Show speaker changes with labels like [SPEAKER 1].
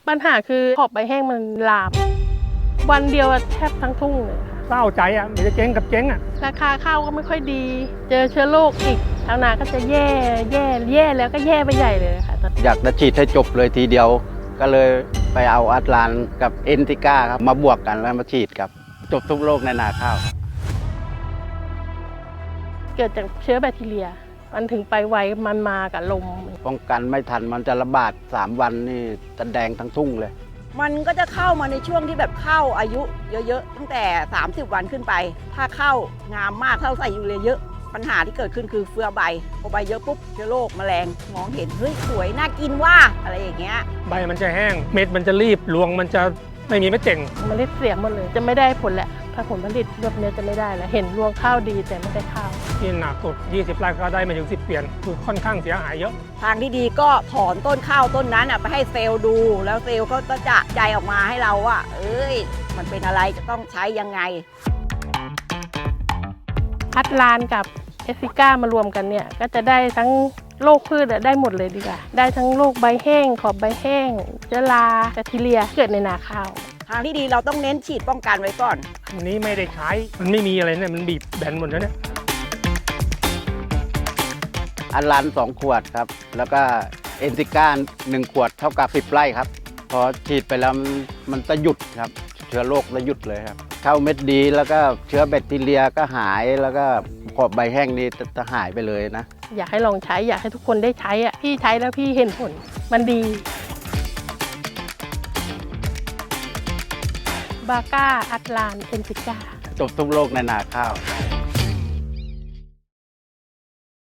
[SPEAKER 1] ปัญหาคือขอบใบแห้งมันลามวันเดียวแทบทั้งทุ่งเลยค่ะ
[SPEAKER 2] เศร้าใจอ่ะมันจะเจ๊งกับเจ๊งอ่ะ
[SPEAKER 1] ราคาข้าวก็ไม่ค่อยดี เจอเชื้อโรคอีกชาวนาก็จะแย่แล้วก็แย่ไปใหญ่เลยค่ะ
[SPEAKER 3] อยากจะฉีดให้จบเลยทีเดียว ก็เลยไปเอาอัตลานกับเอนติก้าครับมาบวกกันแล้วมาฉีดครับจบทุกโรคในนาข้าว
[SPEAKER 1] เกิดจากเชื้อแบคทีเรีย มันถึงไปไวมันมากับลม
[SPEAKER 3] ป้องกันไม่ทันมันจะระบาด3 วันนี่จะแดงทั้งทุ่งเลย
[SPEAKER 4] มันก็จะเข้ามาในช่วงที่แบบเข้าอายุเยอะๆตั้งแต่30 วันขึ้นไป ถ้าเข้างามมากเข้าใส่ยูเรียเยอะปัญหาที่เกิดขึ้นคือเฟือใบพอใบเยอะปุ๊บเชื้อโรคแมลงมองเห็นเฮ้ยสวยน่ากินว่าอะไรอย่างเงี้ย
[SPEAKER 2] ใบมันจะแห้งเม็ดมันจะรีบรวงมันจะไม่มีเม็ดเจ่ง
[SPEAKER 1] เมล็ดเสียหมดเลย จะไม่ได้ผลแหละถ้าผลผลิตแบบนี้จะไม่ได้แล้วเห็นรวงข้าวดีแต่ไม่ได้ข้าว
[SPEAKER 2] ที่หนักสุด20 ไร่ก็ได้ไม่ถึง10 เปลี่ยนคือค่อนข้างเสียหายเยอะ
[SPEAKER 4] ทางที่ดีก็ถอนต้นข้าวต้นนั้นไปให้เซลล์ดู แล้วเซลล์ก็จะใจออกมาให้เราว่าเอ้ยมันเป็นอะไรจะต้องใช้ยังไง
[SPEAKER 1] อัตลานกับเอสซิก้ามารวมกันเนี่ยก็จะได้ทั้งโรคพืชได้หมดเลยดีกว่าได้ทั้งโรคใบแห้งขอบใบแห้งเชื้อราแบคทีเรียเกิดในนาข้าว
[SPEAKER 4] ทางที่ดีเราต้องเน้นฉีดป้องกันไว้ก่อน
[SPEAKER 2] อันนี้ไม่ได้ใช้มันไม่มีอะไรเนี่ยมันบีบแบนหมดแล้วเนี่ย
[SPEAKER 3] อัตลาน2 ขวดครับแล้วก็เอนติก้า1 ขวดเท่ากับ10 ไร่ครับพอฉีดไปแล้วมันจะหยุดครับเชื้อโรคจะหยุดเลยครับเข้าเม็ดดีแล้วก็เชื้อแบคทีเรียก็หายแล้วก็ขอบใบแห้งนี่จะหายไปเลยนะ
[SPEAKER 1] อยากให้ลองใช้อยากให้ทุกคนได้ใช้อ่ะพี่ใช้แล้วพี่เห็นผลมันดีบาก้าอัตลานเอนซิก้า
[SPEAKER 3] จบทุกโรคในนาข้าว